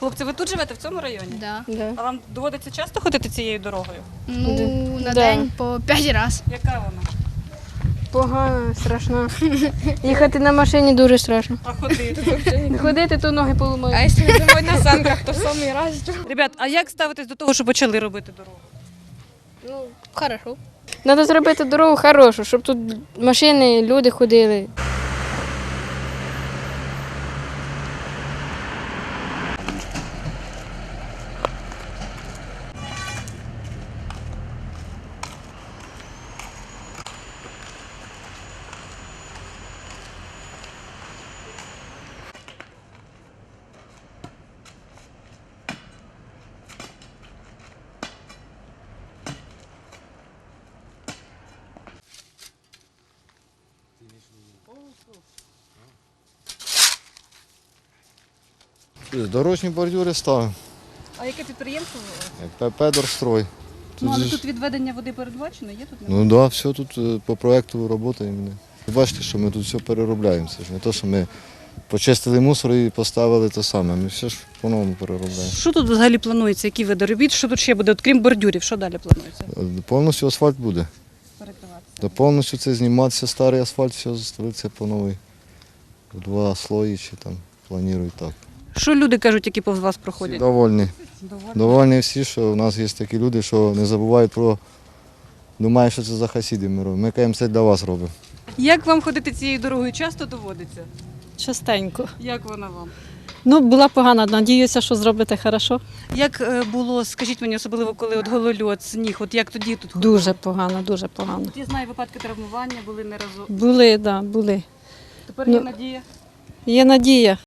Хлопці, ви тут живете, в цьому районі? Да. Да. А вам доводиться часто ходити цією дорогою? Ну, на Да. день по 5 разів. Яка вона? Погано, страшно. Їхати на машині дуже страшно. А ходити? Ходити, то ноги поламають. А якщо йдемо на санках, то самий раз. Ребят, а як ставитесь до того, що почали робити дорогу? Ну, хорошо. Треба зробити дорогу хорошу, щоб тут машини, люди ходили. Дорожні бордюри ставимо, А яке підприємство? як ПП-Дорстрой. Ну, але же тут відведення води передбачено, є тут? Ну так, да, все тут по проєкту працюємо. Бачите, що ми тут все переробляємо. Це ж не те, що ми почистили мусор і поставили те саме. Ми все ж по-новому переробляємо. Що тут взагалі планується? Які види робіт? Що тут ще буде? От, крім бордюрів, що далі планується? Повністю асфальт буде. Перекриватися. Да, повністю це зніматися, старий асфальт, все ставиться по новий. Два слої чи там планують так. Що люди кажуть, які повз вас Всі проходять? довольні. Довольні всі, що в нас є такі люди, що не забувають про, думають, що це за хасіди ми робимо. Ми кажемо, це для вас робимо. Як вам ходити цією дорогою? Часто доводиться? Частенько. Як вона вам? Ну, була погана, надіюся, що зробите хорошо. Як було, скажіть мені, особливо коли от голольот, сніг, от як тоді тут ходили? Дуже погано, дуже погано. От я знаю, випадки травмування були не разу. Були, так, да, були. Тепер є Ну, надія. Є надія.